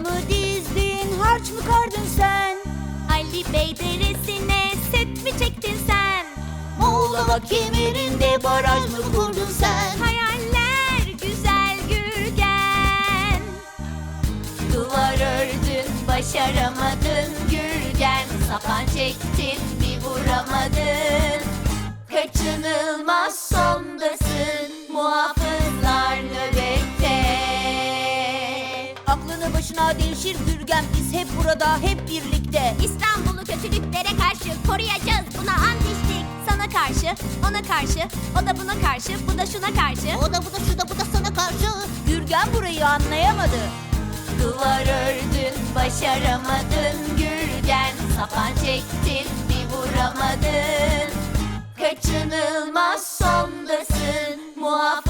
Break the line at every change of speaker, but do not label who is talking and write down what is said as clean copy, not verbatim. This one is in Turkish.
mı dizdin, harç mı kardın sen?
Ali Bey deresine set mi çektin sen?
Muğlava kemerinde baraj mı kurdun sen?
Hayaller güzel Gürgen.
Duvar ördün, başaramadın Gürgen. Sapan çektin, bir vuramadın. Kaçınılmaz sondasın, muhafızlar nöbette. Aklını başına devşir Gürgen, biz hep burada, hep birlikte.
İstanbul'u kötülüklere karşı koruyacağız, buna ant içtik. Sana karşı, ona karşı, o da buna karşı, bu da şuna karşı.
O da bu da şu da bu da sana karşı. Gürgen burayı anlayamadı. Duvar ördün, başaramadın Gürgen. Sapan çektin, bir vuramadın. Kaçınılmaz sondasın, muhafızlar